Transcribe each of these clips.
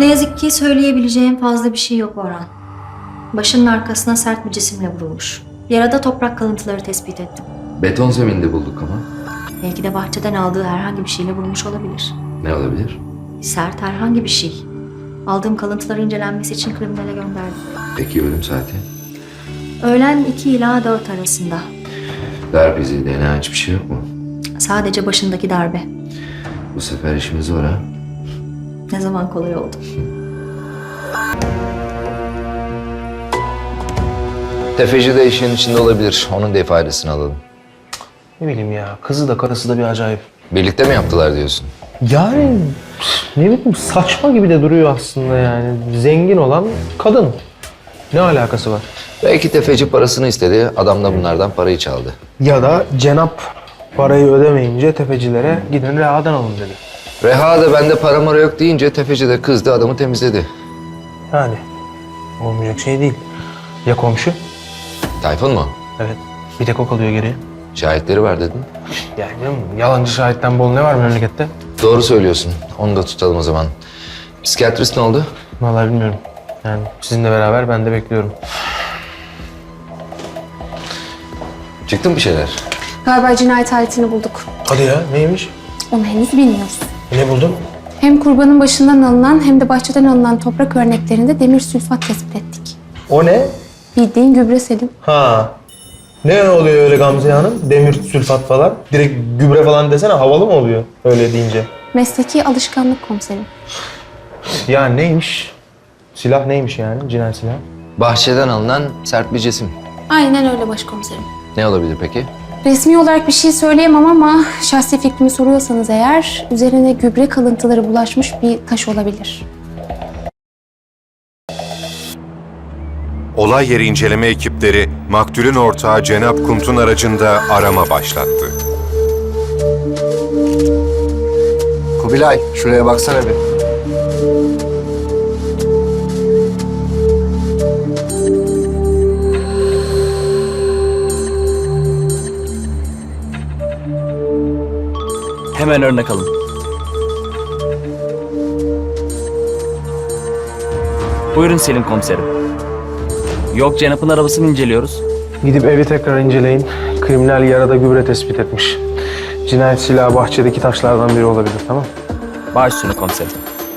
Ne yazık ki söyleyebileceğim fazla bir şey yok Orhan. Başının arkasına sert bir cisimle vurulmuş. Yarada toprak kalıntıları tespit ettim. Beton zeminde bulduk ama. Belki de bahçeden aldığı herhangi bir şeyle vurmuş olabilir. Ne olabilir? Sert herhangi bir şey. Aldığım kalıntıları incelenmesi için kriminale gönderdim. Peki ölüm saati? Öğlen 2 ila 4 arasında. Darp izi, DNA hiçbir şey yok mu? Sadece başındaki darbe. Bu sefer işimiz zor ha. Ne zaman kolay oldu. Tefeci de işin içinde olabilir. Onun da ifadesini alalım. Ne bileyim ya, kızı da karısı da bir acayip. Birlikte mi yaptılar diyorsun? Yani ne bileyim saçma gibi de duruyor aslında yani. Zengin olan kadın. Ne alakası var? Belki tefeci parasını istedi, adam da bunlardan parayı çaldı. Ya da Cenap parayı ödemeyince tefecilere gidin rehadan alın dedi. Reha da bende para mara yok deyince tefeci de kızdı, adamı temizledi. Yani olmayacak şey değil. Ya komşu? Tayfun mu? Evet. Bir tek o kalıyor geriye. Şahitleri var dedin. Yani yalancı şahitten bol ne var memlekette? Doğru söylüyorsun. Onu da tutalım o zaman. Psikiyatrist ne oldu? Vallahi bilmiyorum. Yani sizinle beraber ben de bekliyorum. Çıktı mı bir şeyler? Galiba cinayet aletini bulduk. Hadi ya, neymiş? Onu henüz bilmiyoruz. Ne buldun? Hem kurbanın başından alınan hem de bahçeden alınan toprak örneklerinde demir sülfat tespit ettik. O ne? Bildiğin gübre Selim. Ha. Ne oluyor öyle Gamze Hanım? Demir sülfat falan. Direkt gübre falan desene, havalı mı oluyor öyle deyince? Mesleki alışkanlık komiserim. Ya neymiş? Silah neymiş yani? Cinayet silahı. Bahçeden alınan sert bir cisim. Aynen öyle başkomiserim. Ne olabilir peki? Resmi olarak bir şey söyleyemem ama şahsi fikrimi soruyorsanız eğer üzerine gübre kalıntıları bulaşmış bir taş olabilir. Olay yeri inceleme ekipleri maktulün ortağı Cenap Kunt'un aracında arama başlattı. Kubilay, şuraya baksana bir. Hemen örnek alın. Buyurun Selim komiserim. Yok, Cenap'ın arabasını inceliyoruz. Gidip evi tekrar inceleyin. Kriminal yarada gübre tespit etmiş. Cinayet silahı bahçedeki taşlardan biri olabilir, tamam? Baş üstüne komiserim.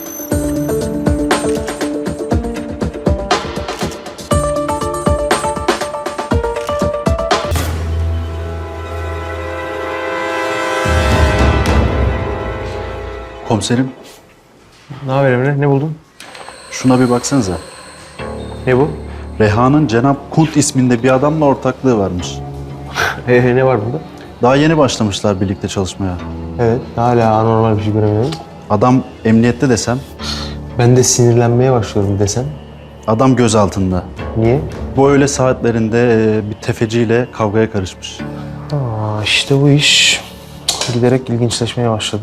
Komiserim, Ne haber Emre? Ne buldun? şuna bir baksanıza. Ne bu? Reha'nın Cenap Kunt isminde bir adamla ortaklığı varmış. Ne var bunda? Daha yeni başlamışlar birlikte çalışmaya. Evet, hala anormal bir şey göremiyorum. Adam emniyette desem, Ben de sinirlenmeye başlıyorum desem. adam gözaltında. Niye? Bu öğle saatlerinde bir tefeciyle kavgaya karışmış. Aa, işte bu iş giderek ilginçleşmeye başladı.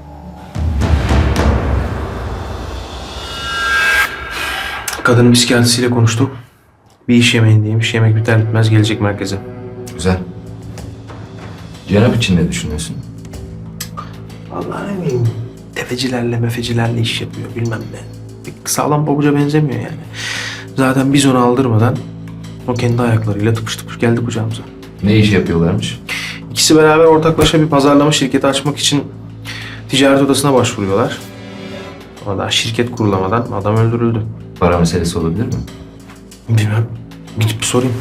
Kadının psikiyatrisiyle konuştuk. Bir iş yemeğindeymiş. Yemek biter bitmez gelecek merkeze. Güzel. Cenap için ne düşünüyorsun? Vallahi ne bileyim. Tefecilerle mefecilerle iş yapıyor bilmem ne. Bir sağlam pabuca benzemiyor yani. Zaten biz onu aldırmadan o kendi ayaklarıyla tıpış tıpış geldi kucağımıza. Ne iş yapıyorlarmış? İkisi beraber ortaklaşa bir pazarlama şirketi açmak için ticaret odasına başvuruyorlar. Ama daha şirket kurulamadan adam öldürüldü. Para meselesi olabilir mi? Bilmem. Gidip bir sorayım.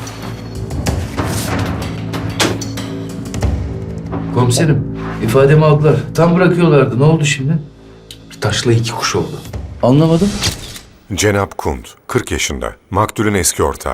Komiserim, ifademi aldılar. Tam bırakıyorlardı. Ne oldu şimdi? Bir taşla iki kuş oldu. Anlamadım. Cenap Kunt, 40 yaşında, maktulün eski ortağı.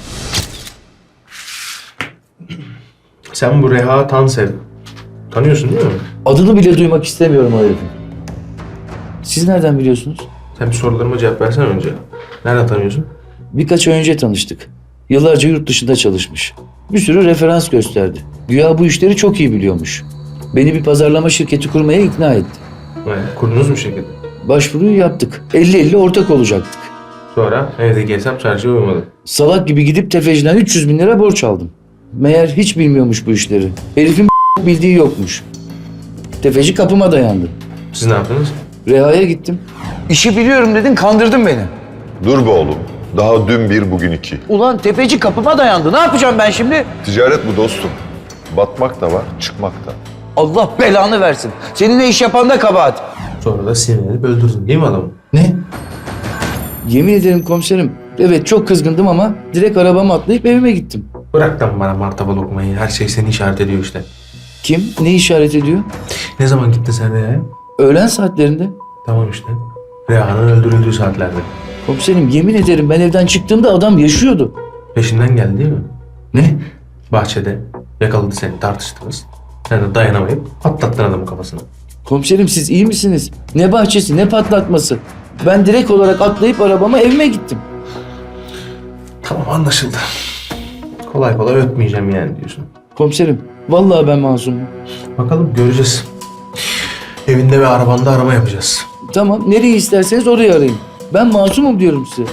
Sen bu Reha Tanser tanıyorsun değil mi? Adını bile duymak istemiyorum o herifin. Siz nereden biliyorsunuz? Sen bir sorularıma cevap versene önce. Nereden tanıyorsun? Birkaç ay önce tanıştık. Yıllarca yurt dışında çalışmış. Bir sürü referans gösterdi. Güya bu işleri çok iyi biliyormuş. Beni bir pazarlama şirketi kurmaya ikna etti. Kurdunuz mu şirketi? Başvuruyu yaptık. 50-50 ortak olacaktık. Sonra evde gelsem çarşıya uymadı. Salak gibi gidip tefeciden 300 bin lira borç aldım. Meğer hiç bilmiyormuş bu işleri. Herifin bildiği yokmuş. Tefeci kapıma dayandı. Siz ne yaptınız? Reha'ya gittim. İşi biliyorum dedin, kandırdın beni. Dur be oğlum. Daha dün bir, bugün iki. Ulan tefeci kapıma dayandı. Ne yapacağım ben şimdi? Ticaret bu dostum. Batmak da var, çıkmak da. Allah belanı versin. Seninle iş yapan da kabahat. Sonra da sinirlenip öldürdün değil mi adamı? Ne? Yemin ederim komiserim. Evet çok kızgındım ama direkt arabama atlayıp evime gittim. Bırak lan bana martaba lokmayı. Her şey seni işaret ediyor işte. Kim? Ne işaret ediyor? Ne zaman gittin sen Reha'ya? Öğlen saatlerinde. Tamam işte. Reha'nın öldürüldüğü saatlerde. Komiserim yemin ederim ben evden çıktığımda adam yaşıyordu. Peşinden geldi değil mi? Ne? Bahçede yakaladı seni, tartıştınız. Sen de dayanamayıp patlattın adamın kafasına. Komiserim siz iyi misiniz? Ne bahçesi ne patlatması. Ben direkt olarak atlayıp arabama evime gittim. Tamam anlaşıldı. Kolay kolay ötmeyeceğim yani diyorsun. Komiserim vallahi ben masumum. Bakalım göreceğiz. Evinde ve arabanda arama yapacağız. Tamam nereyi isterseniz orayı arayın. Ben masumum diyorum size.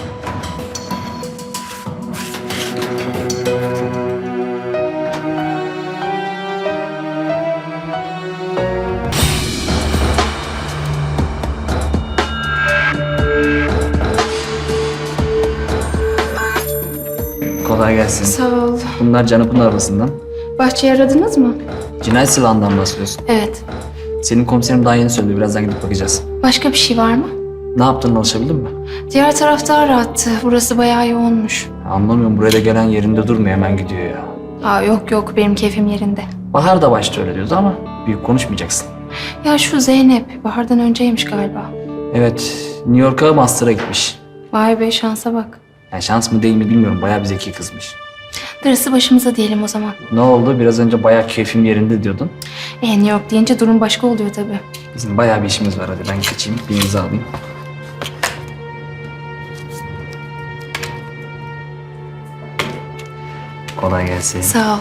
Kolay gelsin. Sağ ol. Bunlar Canap'ın arabasından. Bahçeyi aradınız mı? Cinayet silahından bahsediyorsun. Evet. Senin komiserim daha yeni söyledi. Birazdan gidip bakacağız. Başka bir şey var mı? Ne yaptığını alışabildin mi? Diğer tarafta arattı. Burası bayağı yoğunmuş. Anlamıyorum. Buraya da gelen yerinde durmuyor. Hemen gidiyor ya. Aa yok benim keyfim yerinde. Bahar da başta öyle diyordu ama büyük konuşmayacaksın. Ya şu Zeynep Bahar'dan önceymiş galiba. Evet. New York'a master'a gitmiş. Vay be şansa bak. Yani şans mı değil mi bilmiyorum. Bayağı bir zeki kızmış. Darısı başımıza diyelim o zaman. Ne oldu? Biraz önce bayağı keyfim yerinde diyordun. New York deyince durum başka oluyor tabii. Bizim bayağı bir işimiz var. Hadi ben kaçayım. Bir imza alayım. Kolay gelsin. Sağ ol.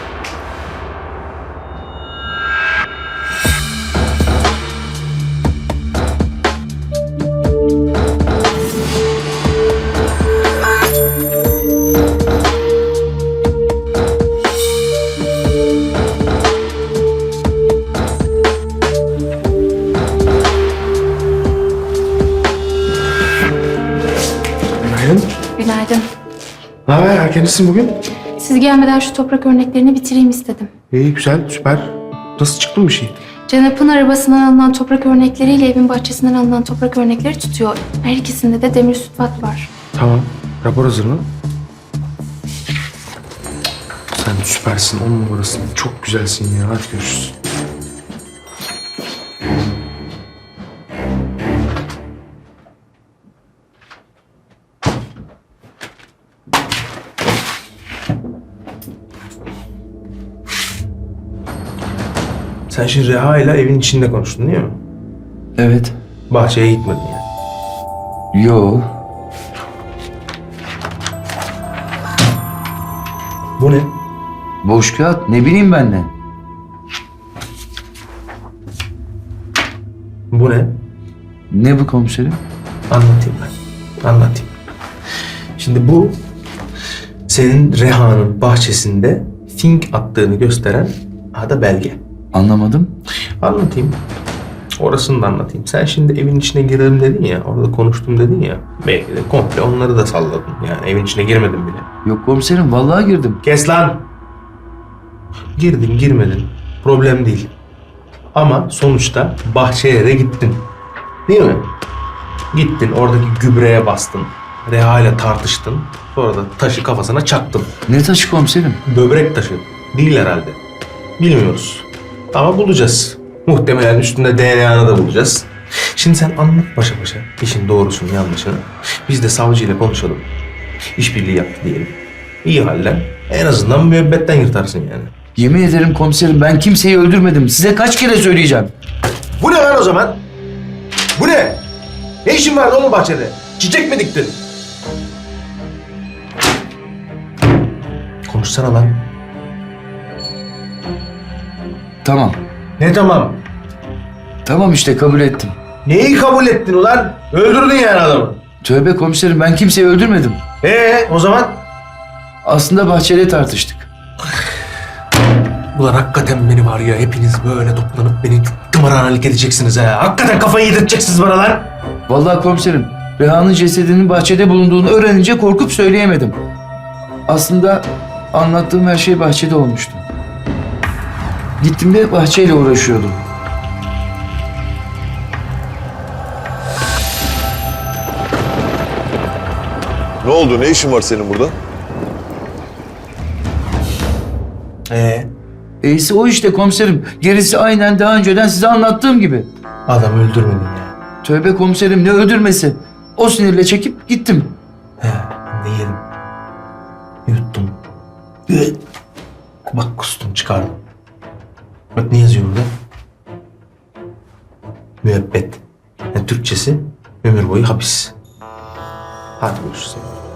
Günaydın. Günaydın. Ne haber? Erkencisin bugün. Siz gelmeden şu toprak örneklerini bitireyim istedim. İyi güzel süper. Nasıl çıktı bir şey? Canap'ın arabasından alınan toprak örnekleriyle evin bahçesinden alınan toprak örnekleri tutuyor. Her ikisinde de demir sütbat var. Tamam. Rapor hazır mı? Sen süpersin. 10 numarasın. Çok güzelsin ya. Hadi görüşürüz. Sen şimdi Reha ile evin içinde konuştun değil mi? Evet. Bahçeye gitmedin yani. Yo. Bu ne? Boş kağıt ne bileyim ben ne. Bu ne? Ne bu komiserim? Anlatayım ben. Anlatayım. Şimdi bu senin Reha'nın bahçesinde fink attığını gösteren ada belge. Anlamadım. Anlatayım. Orasını da anlatayım. Sen şimdi evin içine girelim dedin ya, orada konuştum dedin ya. Belki de komple onları da salladın. Yani evin içine girmedin bile. Yok komiserim vallahi girdim. Kes lan! Girdin girmedin. Problem değil. Ama sonuçta bahçeye de gittin. Değil mi? Gittin oradaki gübreye bastın. Reha ile tartıştın. Sonra da taşı kafasına çaktın. Ne taşı komiserim? Böbrek taşı. Değil herhalde. Bilmiyoruz. Ama bulacağız. Muhtemelen üstünde DNA'nı da bulacağız. Şimdi sen anlat başa başa işin doğrusunu yanlışını. Biz de savcıyla konuşalım. İşbirliği yaptı diyelim. İyi halden en azından müebbetten yırtarsın yani. Yemin ederim komiserim ben kimseyi öldürmedim. Size kaç kere söyleyeceğim. Bu ne lan o zaman? Bu ne? Ne işin vardı oğlum bahçede? Çiçek mi diktin? Konuşsana lan. Tamam. Ne tamam? Tamam işte kabul ettim. Neyi kabul ettin ulan? Öldürdün yani adamı. Tövbe komiserim ben kimseyi öldürmedim. O zaman? Aslında bahçede tartıştık. Ulan hakikaten beni var ya, hepiniz böyle toplanıp beni tımarhanelik edeceksiniz ha. Hakikaten kafayı yedirteceksiniz bana lan. Vallahi komiserim, Reha'nın cesedinin bahçede bulunduğunu öğrenince korkup söyleyemedim. Aslında anlattığım her şey bahçede olmuştu. Gittiğimde bahçeyle uğraşıyordum. Ne oldu? Ne işin var senin burada? İyisi o işte komiserim. Gerisi aynen daha önceden size anlattığım gibi. Adam öldürmedin ya. Tövbe komiserim, ne öldürmesi. O sinirle çekip gittim. He, ben de yedim. Yuttum. Bak kustum, çıkardım. Bak ne yazıyor burada? Müebbet. Yani Türkçesi ömür boyu hapis. Hadi görüşürüz.